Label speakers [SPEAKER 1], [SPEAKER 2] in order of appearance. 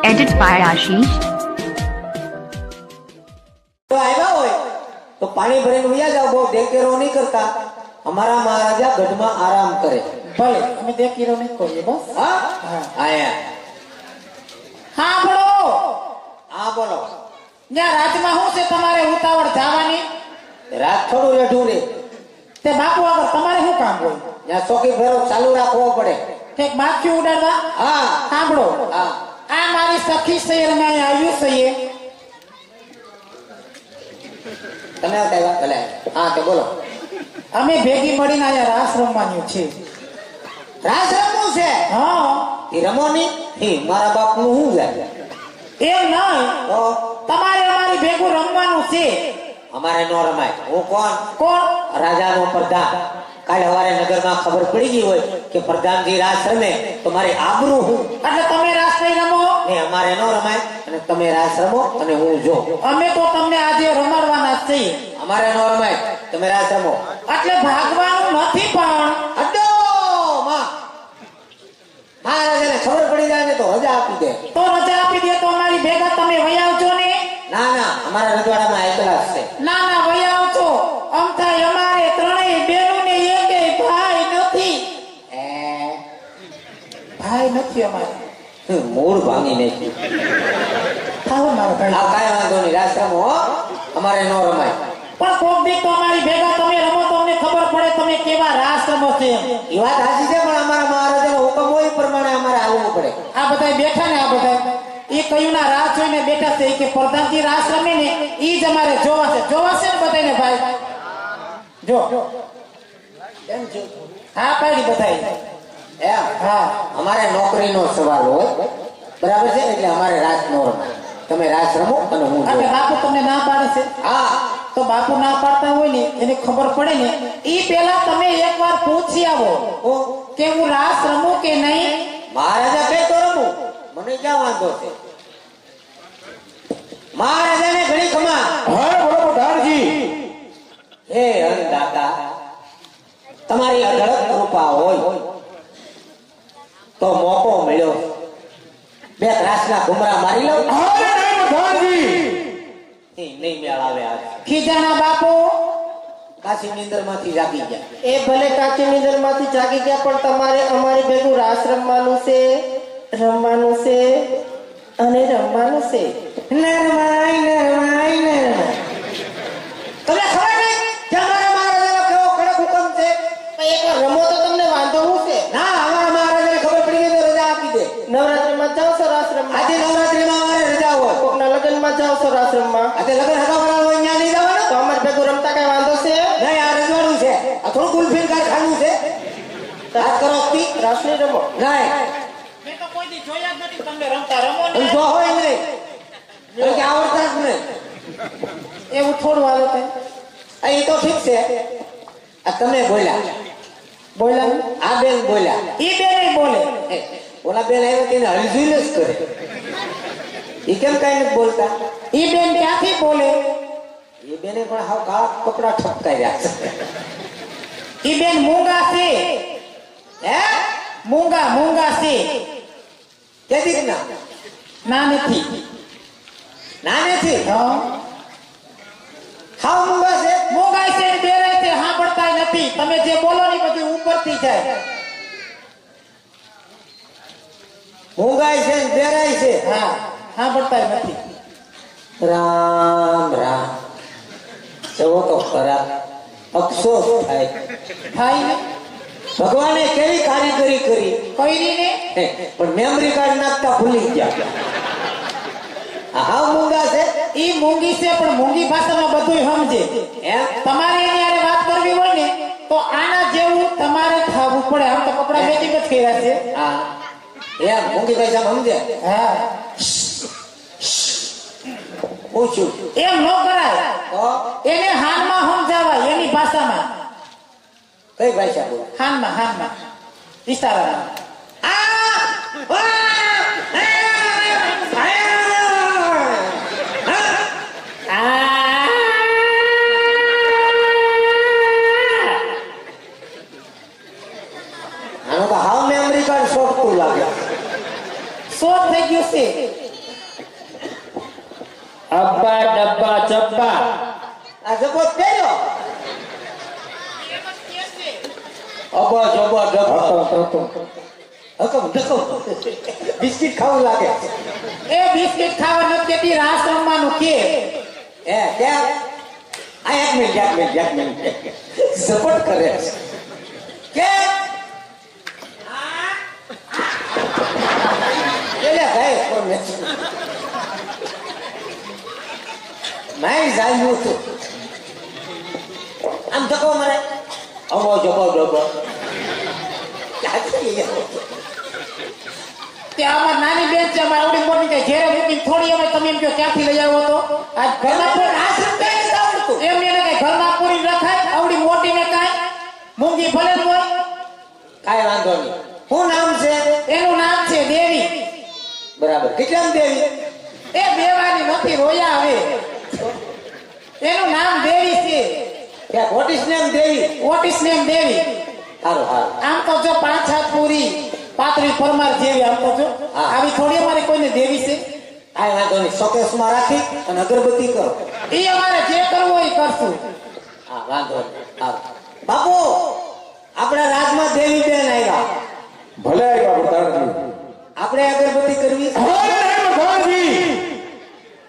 [SPEAKER 1] Edit by Ashish.
[SPEAKER 2] તો આવ્યા હોય તો પાણી ભરીને વયા જાવ, બહુ દેખેરો નહીં કરતા. અમારા મહારાજા ગઢમાં આરામ કરે.
[SPEAKER 3] ભલે અમે દેખીરો નહીં કરીએ બસ.
[SPEAKER 2] હા
[SPEAKER 3] હા.
[SPEAKER 2] આયા
[SPEAKER 3] હા બોલો.
[SPEAKER 2] હા બોલો.
[SPEAKER 3] ત્યાં રાજમાં શું છે તમારે ઉતાવળ જવાની?
[SPEAKER 2] રાત થોડું રેઠું રે.
[SPEAKER 3] તે બાપુ આગળ તમારે શું કામ હોય?
[SPEAKER 2] ત્યાં ચોકી ફેરો ચાલુ રાખવો પડે.
[SPEAKER 3] ઠીક માખી ઉડાડવા?
[SPEAKER 2] હા
[SPEAKER 3] સાંભળો,
[SPEAKER 2] હા
[SPEAKER 3] આ મારી સખી શહેરમાં અહીં આવ્યું છે એ.
[SPEAKER 2] તમે આવ્યા ભલે. હા તો બોલો.
[SPEAKER 3] અમે ભેગી મળીને અહીંયા રાસ રમવાનું છે.
[SPEAKER 2] રાસ રમવું છે?
[SPEAKER 3] હા.
[SPEAKER 2] એ રમો નહીં. મારા બાપ નું શું જાય?
[SPEAKER 3] એમ નહીં,
[SPEAKER 2] તો
[SPEAKER 3] તમારે અમારી ભેગું રમવાનું છે.
[SPEAKER 2] અમારે નો રમાય. હું કોણ?
[SPEAKER 3] કોણ?
[SPEAKER 2] રાજાનો પ્રધાન. કાલે સવારે નગરમાં ખબર પડી ગઈ હોય કે પ્રધાનજી રાસ રમે તો મારી આબરૂ હું.
[SPEAKER 3] એટલે તમે રાસ નહીં રમો
[SPEAKER 2] ને અમારે નો રમાય અને તમે રાસ રમો અને હું જો.
[SPEAKER 3] અમે તો તમને આજે રમાડવાના જ છીએ.
[SPEAKER 2] અમારે નો રમાય, તમે રાસ રમો.
[SPEAKER 3] એટલે ભાગવાનું નથી પણ
[SPEAKER 2] અડો માં મહારાજાને ખબર પડી જાય ને તો રજા આપી દે.
[SPEAKER 3] તો રજા આપી દે તો અમારી ભેગા તમે વહી આવજો ને.
[SPEAKER 2] ના ના, અમારા રજવાડામાં એકલા જ છે.
[SPEAKER 3] ના ના વહી આવજો. આમ થાય અમારે ત્રણેય બેનો ને એકેય ભાઈ નથી. ભાઈ નથી અમારે.
[SPEAKER 2] મૂળ ભાંગી નાખ્યું.
[SPEAKER 3] થાવ મારા ભાઈ.
[SPEAKER 2] આ કાંઈ વાંધો નહીં, રાસ રમો હો. અમારે નો રમાય.
[SPEAKER 3] પણ કોક દી તો અમારી ભેગા તમે રમો તો અમને ખબર પડે તમે કેવા રાસ રમો છો એમ.
[SPEAKER 2] એ વાત સાચી છે, પણ અમારા મહારાજાનો હુકમ હોય એ પ્રમાણે અમારે હાલવું પડે.
[SPEAKER 3] આ બધા બેઠા ને, આ બધા એ કયું ના રાસ જોઈને બેઠા છે કે પ્રધાનજી રાસ રમે ને ઈ જ અમારે જોવા છે. જોવા છે ને બધાને ભાઈ. જો હા પાડી બધાય.
[SPEAKER 2] એમ
[SPEAKER 3] હા
[SPEAKER 2] અમારે નોકરીનો સવાલ હોય, બરાબર છે? એટલે અમારે રાસ નો રમાય. તમે રાસ રમો અને હું
[SPEAKER 3] એટલે
[SPEAKER 2] જોઉં.
[SPEAKER 3] બાપુ તમને ના પાડે છે.
[SPEAKER 2] હા
[SPEAKER 3] તો બાપુ ના પાડતા હોય ને એને ખબર પડે ને ઈ પેલા તમે એકવાર પૂછી આવો કે હું રાસ રમું કે નહીં.
[SPEAKER 2] મહારાજા કે તો રમું, મને ક્યાં વાંધો છે? મહારાજાને ઘણી ખમા.
[SPEAKER 3] હા બોલો ધારજી.
[SPEAKER 2] હે અન્નદાતા, તમારી અઢળક કૃપા હોય તો મોકો મળ્યો, બે ત્રાસના ઘુમરા મારી લઉં. નહીં મેળ આવે. આજ
[SPEAKER 3] ખીજાના બાપુ
[SPEAKER 2] કાશી નીંદર માંથી જાગી ગયા.
[SPEAKER 4] એ ભલે કાચી નીંદર માંથી જાગી ગયા, પણ તમારે અમારી ભેગું રાસ રમવાનું છે અને રમવાનું છે.
[SPEAKER 2] નરમાઈ નરમાઈ નરમાઈ. તમને ખબર નહીં કે અમારા મહારાજાનો કેવો કડક હુકમ છે?
[SPEAKER 4] પણ એકવાર રમો તો તમને વાંધો શું છે?
[SPEAKER 2] ના, અમારા મહારાજાને ખબર પડી ગઈ તો રજા આપી દે.
[SPEAKER 4] નવરાત્રીમાં જાઓ છો રાસ રમવા?
[SPEAKER 2] આજે નવરાત્રીમાં અમારે રજા હોય.
[SPEAKER 4] કોકના લગ્નમાં જાઓ છો રાસ રમવા?
[SPEAKER 2] આજે લગ્ન હગાવાળા હોય ત્યાં નહીં જવાનું.
[SPEAKER 4] તો અમારી ભેગું રમતા કઈ વાંધો છે?
[SPEAKER 2] નહીં, આ રજવાડું છે. આ થોડું ગુલફીન કારખાનું છે. રાત કરો તી.
[SPEAKER 4] રાસ નહીં રમો?
[SPEAKER 2] નહીં,
[SPEAKER 3] મેં તો કોઈ દી જોયા જ નથી તમને રમતા. રમો
[SPEAKER 2] એમ
[SPEAKER 3] ને
[SPEAKER 2] જો હોય નહીં. કારણ કે આવડતા જ નહીં.
[SPEAKER 3] એવું થોડું હાલો કઈ.
[SPEAKER 2] આ એ તો ઠીક છે. આ તમે બોલ્યા,
[SPEAKER 3] બોલ્યા
[SPEAKER 2] આ બેન બોલ્યા.
[SPEAKER 3] ઈ બે નહીં બોલે.
[SPEAKER 2] એ, ઓલા બેન આવ્યા તેને હળઝુલ જ કરે. એ કેમ કઈ નથી બોલતા?
[SPEAKER 3] ઈ બેન ક્યાંથી બોલે?
[SPEAKER 2] એ બેને પણ હાવ કાળા કપડા ઠપકાર્યા છે.
[SPEAKER 3] ઈ બેન મૂંગા છે.
[SPEAKER 2] હે?
[SPEAKER 3] મૂંગા મૂંગા છે.
[SPEAKER 2] કેદી ના?
[SPEAKER 3] ના નથી.
[SPEAKER 2] ના નથી.
[SPEAKER 3] હા
[SPEAKER 2] હાવ મૂંગા છે.
[SPEAKER 3] મૂંગા છે ને બેરાય છે, સાંભળતા નથી. તમે જે બોલો ને બધી ઉપરથી જાય.
[SPEAKER 2] મૂંગાય છે ને બેરાય છે.
[SPEAKER 3] હા સાંભળતા નથી.
[SPEAKER 2] રામ રામ. જવો તો ખરા, અફસોસ થાય.
[SPEAKER 3] થાય ને
[SPEAKER 2] ભગવાને કેવી કારીગરી કરી,
[SPEAKER 3] કઈરી ને
[SPEAKER 2] પણ મેમરી કાર્ડ નાખતા ભૂલી ગયા. આ હાવ મૂંગા છે.
[SPEAKER 3] ઈ મૂંગી છે, પણ મૂંગી ભાષામાં બધું સમજે.
[SPEAKER 2] એમ?
[SPEAKER 3] તમારે એની હારે વાત કરવી હોય ને તો આના જેવું તમારે થવું પડે. આમ તો કપડા મેચિંગ જ કર્યા છે.
[SPEAKER 2] હા એમ મૂંગી ભાઈ સમજે.
[SPEAKER 3] હા
[SPEAKER 2] પૂછ્યું
[SPEAKER 3] એમ ન કરાય.
[SPEAKER 2] તો
[SPEAKER 3] એને હાનમાં સમજાવાય એની ભાષામાં.
[SPEAKER 2] કઈ ભાષા બોલ?
[SPEAKER 3] હાનમાં ઈશારામાં.
[SPEAKER 2] આનું તો હાવ મેમરી કાર્ડ શોર્ટ લાગે.
[SPEAKER 3] શોર્ટ થઈ ગયું છે.
[SPEAKER 1] જબ્બા જબ્બા
[SPEAKER 2] આ જબો પહેર્યો
[SPEAKER 1] અબો જબો જબ્બા
[SPEAKER 2] હકમ ઢકમ બિસ્કિટ ખાવું લાગે
[SPEAKER 3] એ બિસ્કિટ ખાવા નથી કેતી રાસ રમવાનું કે
[SPEAKER 2] હે ક્યાં આ એક મિનિટ સપોર્ટ કરે છે કે એલે ભાઈ કોણ મેં જાણ્યું હતું આમ ધક્કો મારે
[SPEAKER 1] અબો જબો જબ્બો
[SPEAKER 3] ત્યાં અમાર નાની બેન છે અમાર આવડી મોટી કે ઘેરે મૂકીને થોડી અમે તમે એમ કહો ક્યાંથી લઈ આવો તો આજ ઘરમાં કોઈ રાસ રમતા નથી આવડતું એમ એને કઈ ઘરમાં પૂરી રખાય આવડી મોટી ને કાંઈ મૂંગી ભલે જ હોય
[SPEAKER 2] કાંઈ વાંધો નહીં શું નામ છે
[SPEAKER 3] એનું નામ છે દેવી
[SPEAKER 2] બરાબર કેટલામ દેવી
[SPEAKER 3] એ દેવાની નથી રોયા હવે એનું નામ દેવી છે
[SPEAKER 2] ક્યાં what is name Devi
[SPEAKER 3] what is name Devi
[SPEAKER 2] સારું સારું
[SPEAKER 3] આમ તો જો 5 હાથ પૂરી પાતળી પરમાર જેવી આમ તો જો
[SPEAKER 2] હા.
[SPEAKER 3] આવી થોડી અમારે કોઈને દેવી છે
[SPEAKER 2] કાંઈ વાંધો નહીં શોકેસમાં રાખી અને અગરબત્તી કરો
[SPEAKER 3] એ અમારે જે કરવું હોય એ કરશું
[SPEAKER 2] હા વાંધો નહીં સારું બાપુ